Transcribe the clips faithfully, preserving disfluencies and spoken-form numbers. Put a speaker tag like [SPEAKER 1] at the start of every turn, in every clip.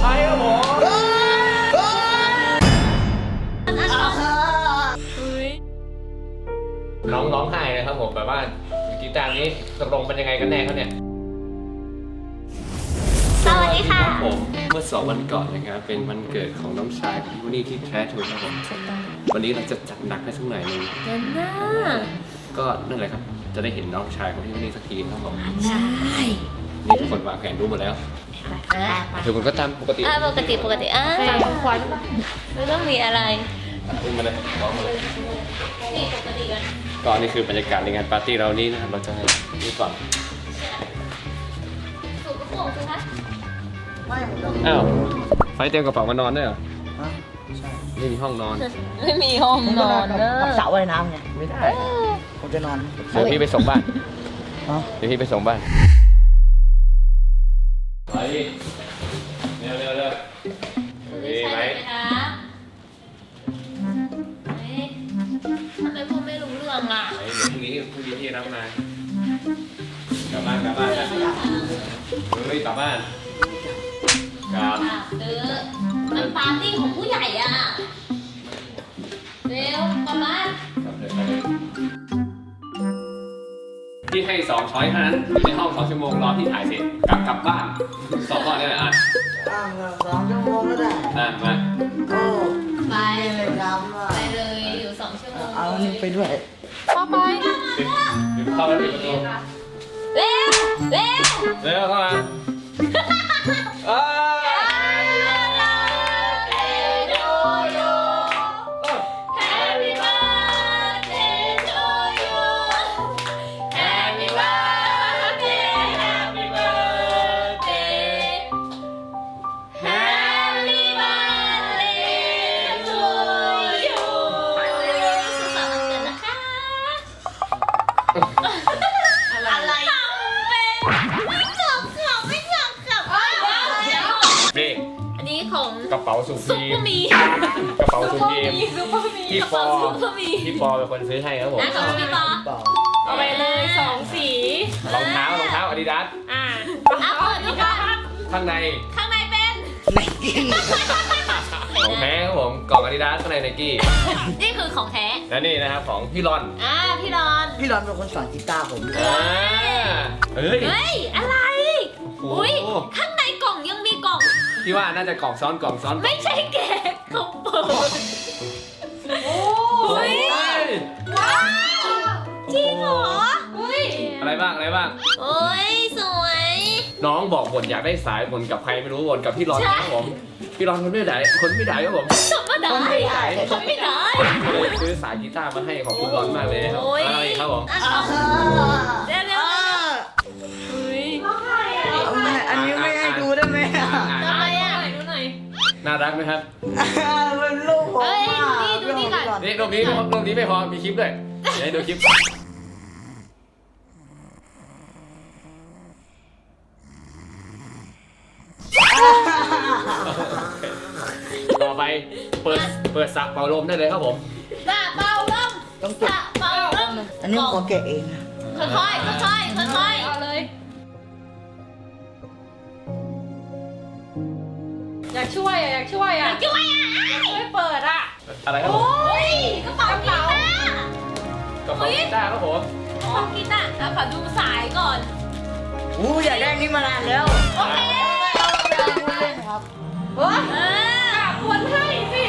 [SPEAKER 1] ไพรส์ครับผมน้องร้องไห้นะครับผมแบบว่ากีตาร์นี้ตกลงเป็นยังไงกันแน่เขาเนี่ย
[SPEAKER 2] สวัสดีค่ะ
[SPEAKER 1] ผมเมื่อสองวันก่อนนะครับเป็นวันเกิดของน้องชายของพี่นี่ที่แท้ถูกครับผมวันนี้เราจะจัดหนักให้สักหน่อยนึง
[SPEAKER 2] เดินหน้า
[SPEAKER 1] ก็นั่นแหละครับจะได้เห็นน้องชายของพี่นี่สักทีครับผม
[SPEAKER 2] ใช่
[SPEAKER 1] นี่ทุกคนวางแผนรู้หมดแล้วทุกคนก็ตามปกติ
[SPEAKER 2] ปกติปกติอ่ะขวัญไม่ต้องมีอะไร
[SPEAKER 1] อุ้มมาเลยร้องมาเลย
[SPEAKER 2] นี่ปกติกัน
[SPEAKER 1] ก็นี่คือบรรยากาศในงานปาร์ตี้เรานี้นะครับเราจะให้นี่ก่อน
[SPEAKER 2] สูบกระโปรงใช่ไหม
[SPEAKER 3] ไม่ผมจะ
[SPEAKER 1] อ้าวไฟเตรียมกระเป๋ามานอนด้วยเหรอ
[SPEAKER 3] ใช่
[SPEAKER 1] ไม่มีห้องนอน
[SPEAKER 2] ไม่มีห้องนอนเนอะ
[SPEAKER 3] สระว่ายน้ำไงไม่ได้ผมจะนอน
[SPEAKER 1] เดี๋ยวพี่ไปส่งบ้านเดี๋ยวพี่ไปส่งบ้านไปเร็วเร็วเร็วมีไหม
[SPEAKER 2] ทำไมพูดไม่รู้เรื่องล่ะ
[SPEAKER 1] เดี๋ยวพรุ่งนี้พรุ่งนี้ที่รับมากลับบ้านกลับบ้านเฮ้ยกลับบ้านกลับ
[SPEAKER 2] เออมันปาร์ตี้ของผู้ใหญ่อ่ะเร็วกลับบ้าน
[SPEAKER 1] พี่ให้สองช้อยเท่านั้นอยู่ในห้องสองชั่วโมงรอพี่ถ่ายเสร็จกลับกลับบ้านสองข้อนี่แหละอ่ะ
[SPEAKER 3] อ่างสองชั่วโมงก็ได้
[SPEAKER 1] อ่ะมา
[SPEAKER 3] โอ้
[SPEAKER 2] ไป
[SPEAKER 3] เลยครับ
[SPEAKER 2] ไปเลยอยู่สองชั่วโมง
[SPEAKER 3] เอานี่ไปด้วย
[SPEAKER 2] เข้าไป
[SPEAKER 1] เดี๋ยวเข้าไปปิดประตู
[SPEAKER 2] เร็วเร็ว
[SPEAKER 1] เร็วเข้ามากระเป๋าสุพีกระเป๋าสุพีพี่ปอพี่ปอเป็นคนซื้อให้ครับผม
[SPEAKER 2] ขอบคุณพี่ปอ
[SPEAKER 4] เอาไปเลยสองสี
[SPEAKER 1] รองเท้ารองเท้าอาดิดาส
[SPEAKER 4] อ่า
[SPEAKER 2] เอาเปิดดูก่อน
[SPEAKER 1] ข้างใน
[SPEAKER 2] ข้างในเป็น
[SPEAKER 3] ไนกี้
[SPEAKER 1] ของแท้ครับผมกล่องอาดิดาสข้างในไนกี้
[SPEAKER 2] นี่คือของแท้
[SPEAKER 1] และนี่นะครับของพี่รอน
[SPEAKER 2] อ่าพี่รอน
[SPEAKER 3] พี่รอนเป็นคนสอนกีตาร์ผม
[SPEAKER 1] อ่าเฮ้ย
[SPEAKER 2] เฮ้ยอะไรอุ้ยข้างในกล่องยังมีกล่อง
[SPEAKER 1] พี่ว่าน่าจะกล่องซ้อนกล่องซ้อน
[SPEAKER 2] ไม่ใช่แกะเขาเปิดโอ้ยว้าวจริงเหรออุ้ย
[SPEAKER 1] อะไรบ้างอะไรบ้าง
[SPEAKER 2] โอ้ยสวย
[SPEAKER 1] น้องบอกบ่นอยากได้สายบ่นกับใครไม่รู้บ่นกับพี่รอนครับผมพี่รอนคนไม่ได้คนไม่ได้ครับผม
[SPEAKER 2] คนไม่ได้คนไม่ได้
[SPEAKER 1] เลยซื้อสายกีตาร์มาให้ของคุณรอนมากเลยครับอะไรครับผม
[SPEAKER 2] เร็วเร็ว
[SPEAKER 3] อุ้ยอันนี้ไม่ให้ดูได้ไหม
[SPEAKER 2] ทำไมอ่ะดูหน่อย
[SPEAKER 1] น่ารักไหมครับ
[SPEAKER 3] เป็นลูกผม
[SPEAKER 2] เฮ้ยดูนี่ดูนี่ก่อน
[SPEAKER 1] นี่รูปนี้รูปนี้ไม่พอมีคลิปด้วยเดี๋ยวดูคลิปต่อไปเปิดเปิดสระเป่าลมได้เลยครับผม
[SPEAKER 2] สระเป่าลม
[SPEAKER 3] ต้องเก็บ
[SPEAKER 2] เป่าลม
[SPEAKER 3] อันนี้ขอแกะเอง
[SPEAKER 2] ค่อยค่อยค่อยค่อยค่อยเอาเลย
[SPEAKER 4] อยากช่วยอ่ะอยากช่วยอ่ะ
[SPEAKER 2] ช่วยอ่ะ
[SPEAKER 4] ไม่เปิดอ่ะ
[SPEAKER 1] อะไรครับผม
[SPEAKER 2] โอ้ยกระเป๋ากีตาร์
[SPEAKER 1] กระเป๋ากีตาร์ครับผม
[SPEAKER 2] กระเป๋ากีตาร์แล้วขอดูสายก่อน
[SPEAKER 3] อู้อยากได้นี่มานานแล้ว
[SPEAKER 2] โอเค
[SPEAKER 3] ครับ
[SPEAKER 4] โอ้ยควรให้สิ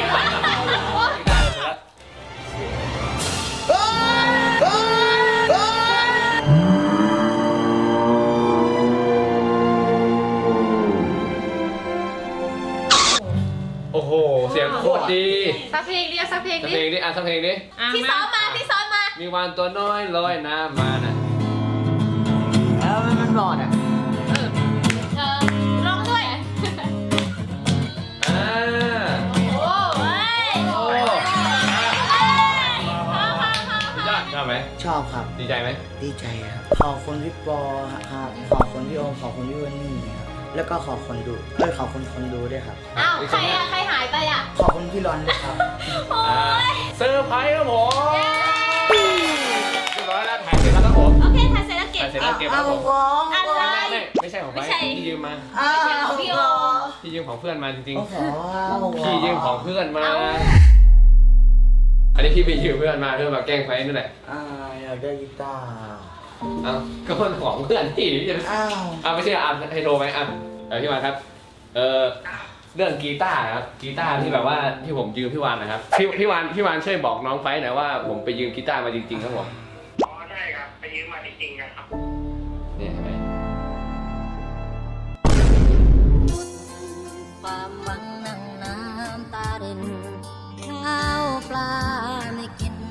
[SPEAKER 1] โอ้โหเสียงโคตรดี
[SPEAKER 4] สักเพลงดิสักเพลงดิ
[SPEAKER 1] สักเพลงดิอ่ะสักเพลงดิ
[SPEAKER 2] ที่ซ้อมมาที่ซ้อมมา
[SPEAKER 1] มีวานตัวน้อยลอยน้ำมานะ
[SPEAKER 3] แล้วมันบอดอ่ะ
[SPEAKER 2] เออเออร้องด้วย
[SPEAKER 1] อ่า
[SPEAKER 2] โอ้ยโอ้ย
[SPEAKER 1] ชอบไหม
[SPEAKER 3] ชอบครับ
[SPEAKER 1] ดีใจไหม
[SPEAKER 3] ดีใจครับขอบคุณพี่ปอครับขอบคุณพี่โอมขอบคุณพี่วันนี่ครับแล้วก็ขอบคุณดูเอ้ยขอบคุณคนดูด้วยครับ
[SPEAKER 2] อ้าวใครอะใครหายไปอะ
[SPEAKER 3] ขอบคุณพี่รอนด้วยครับ
[SPEAKER 2] โอ้ย
[SPEAKER 1] เซอร์ไพรส์ครับผมเรียบร้อยแล้วถ่ายเสร็จแล้วครับผม
[SPEAKER 2] โอเคถ่ายเสร็จแล้วเก็บ
[SPEAKER 1] ถ่ายเสร็จแล้วเก็บครับผม
[SPEAKER 2] อะไร
[SPEAKER 1] ไม่ใช่ของใครที่ยืมมา
[SPEAKER 2] ไม่ใช่ของพี่โอ
[SPEAKER 1] พี่ยืมของเพื่อนมาจริง
[SPEAKER 3] โอ้โห
[SPEAKER 1] ๆพี่ยืมของเพื่อนมา อันนี้พี่ไปยืมเพื่อนมาเพื่อมาแกล้งไฟนั่นแหละ
[SPEAKER 3] อ่าอยากได้กีตาร์
[SPEAKER 1] เอ้าก็มันของเพื่อนพี่พี่จะ
[SPEAKER 3] อ้าว
[SPEAKER 1] อ่าไม่ใช่อ่ะให้โทรไหมอ่ะเออพี่วานครับเออเรื่องกีตาร์ครับกีตาร์ที่แบบว่าที่ผมยืมพี่วานนะครับพี่พี่วานพี่วานช่วยบอกน้องไฟหน่อยว่าผมไปยืมกีตาร์มาจริงๆครับผม
[SPEAKER 5] อ๋อใช่ครับไปยืมมาจริงๆนะครับ
[SPEAKER 1] เนี่ยเห็นไหม
[SPEAKER 2] ความหวังนั่งน้ำตารินข้าวปลาไม่กิน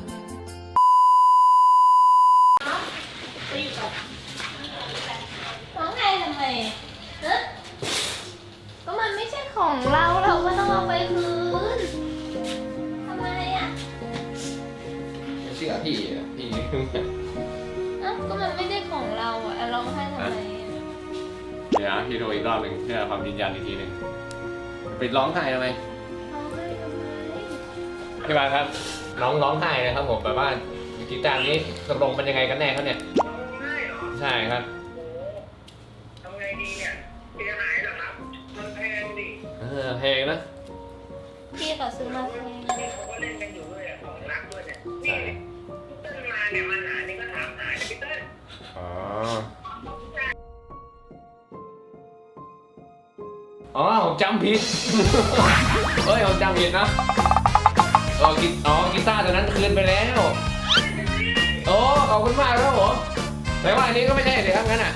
[SPEAKER 2] ร้องไห้ทำไมฮะก็มันไม่ใช่ของเราเราก็ต้องเอาไปคืนทำไมอ่ะ
[SPEAKER 1] ไม่เชื่อพี่อ่ะพี่
[SPEAKER 2] อ่ะก็มันไม่ได้ของเราอ่ะร้องไห้ทำไม
[SPEAKER 1] เดี๋ยวพี่ดูอีกรอบหนึ่งเพื่อความยืนยันอีกทีหนึ่งไปร้องไห้ทำไม
[SPEAKER 2] ร้องไห้ทำไม
[SPEAKER 1] พี่วานครับน้องร้องไห้นะครับผมแบบว่ากีตาร์นี้ตกลงเป็นยังไงกันแน่ครับเนี่ย
[SPEAKER 5] ร้องไห้เหรอ
[SPEAKER 1] ใช่ครับ
[SPEAKER 5] โอ้ทำไงดีเนี่ยเสียหายเหรอครับ มันแพงดิ
[SPEAKER 1] เออเพลงนะ
[SPEAKER 2] พี่ก็ซื้อมาแพง
[SPEAKER 5] นี่เขาก็เล่นกันอยู่ด้วยอะของรักด้วยเนี่ยนี่เติ้ลมาเนี่ยมาหานี่ก็ถามหาเนี่ยพี่เติ้ล
[SPEAKER 1] อ๋ออ๋อผมจำผิด เฮ้ยผมจำผิดนะเออกีอ๋อกีตาร์ตัวนั้นคืนไปแล้วโอ้ขอบคุณมากครับผมแต่ว่าอันนี้ก็ไม่ใช่เลยครับงั้นอ่ะ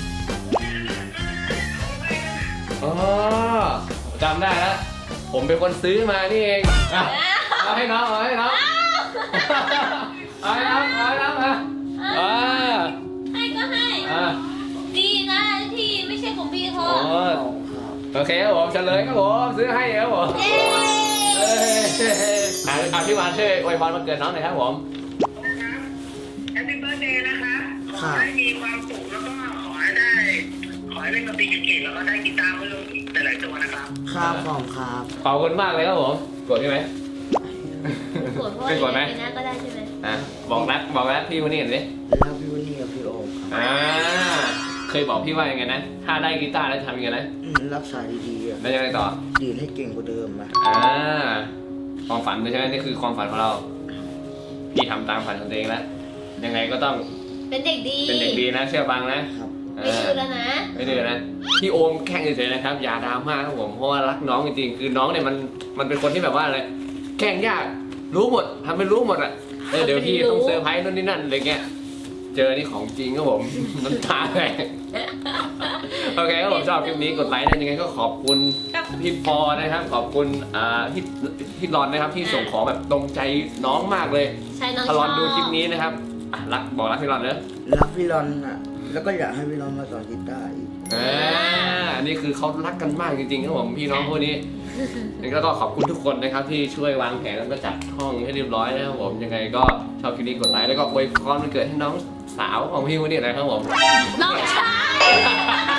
[SPEAKER 1] อ๋อจำได้แล้วผมเป็นคนซื้อมานี่เองอ่ะเอาให้น้องเอาให้น้องเอาให้น้องเอาให้น้องอ่ะอ่า
[SPEAKER 2] ให้ก็ให้
[SPEAKER 1] อ่า
[SPEAKER 2] ดีนะที่ไม่ใช่ของพี่เขา
[SPEAKER 1] โอ้โอเคครับผมเฉลยครับผมซื้อให้ครับผม
[SPEAKER 2] เอ๊
[SPEAKER 1] เอ้ยอ่ะอ่ะพี่วานช่วยอวยพรวันเกิดน้องหน่อยครับผม
[SPEAKER 5] นะครับแฮปปี้เบิร์ดเดย์นะคะขอให้มีความสุขแล้วก็ขอให้ได้ ขอให้เล่นดนตรีเก่งๆแล้วก็ได้กีตาร์เพิ่มอีกหลายๆตัวนะครับ
[SPEAKER 3] ครับผมครับ
[SPEAKER 1] ขอบคุณมากเลยครับผมกดใช่ไหม
[SPEAKER 2] กดเพราะ
[SPEAKER 1] ไม่กดไหม
[SPEAKER 2] ปีหน้าก็ได้ใช่ไหม
[SPEAKER 1] อ่ะบอกรักบอกรักพี่วันนี้หน่อยดิ
[SPEAKER 3] แล้วพี่วันนี้กับพี่โอมครับ
[SPEAKER 1] อ่าเคยบอกพี่ว่ายังไงนะถ้าได้กีตาร์แล้วทำยังไงนะ
[SPEAKER 3] อืมรักษาดีๆอะ
[SPEAKER 1] แล้วยังไงต่อ
[SPEAKER 3] ดีดให้เก่งกว่าเดิมนะ
[SPEAKER 1] อ่าความฝันเลยใช่ไหมนี่คือความฝันของเรา พี่ทำตามฝันของตัวเองแล้วยังไงก็ต้อง
[SPEAKER 2] เป็นเด็กดี
[SPEAKER 1] เป็นเด็กดีนะเชื่อฟังนะครับ เอ
[SPEAKER 2] ไม่
[SPEAKER 1] อ
[SPEAKER 2] ดื้อแล้วนะ
[SPEAKER 1] ไม่ดื้อนะพี่โอมแข่งเฉยๆนะครับอย่าดราม่าครับผมเพราะว่ารักน้องจริงๆคือน้องเนี่ยมันมันเป็นคนที่แบบว่าอะไรแข่งยากรู้หมดทำเป็นรู้หมดอ่ะเออเดี๋ยวพี่ต้องเซอร์ไพรส์นู่นนี่นั่นอะไรเงี้ยเจอนี่ของจริงครับผม น้ำตาแตกโอเคครับผมชอบคลิปนี้กดไลค์นะยังไงก็ขอบคุณ
[SPEAKER 2] กับ
[SPEAKER 1] พี่ปอนะครับขอบคุณอ่าพี่พี่รอนนะครับที่ส่งของแบบตรงใจน้องมากเลย
[SPEAKER 2] ใช่น้องช
[SPEAKER 1] ถ้า
[SPEAKER 2] อบ
[SPEAKER 1] รอนดูคลิปนี้นะครับอ่ะรักบอกรักพี่รอนเนอะ
[SPEAKER 3] รักพี่รอนอ่ะ แล้วก็อยากให้พี่รอนมาสอนกีตาร์อีก
[SPEAKER 1] อ่านี่คือเขารักกันมากจริงๆครับผมพี่น้องพวกนี้แล้วก็ขอบคุณทุกคนนะครับที่ช่วยวางแผนแล้วก็จัดห้องให้เรียบร้อยนะครับผมยังไงก็ชอบคลิปนี้กดไลค์แล้วก็อวยพรวันเกิดให้น้องสาวของพี่วันนี้นะครับผม
[SPEAKER 2] น้องชาย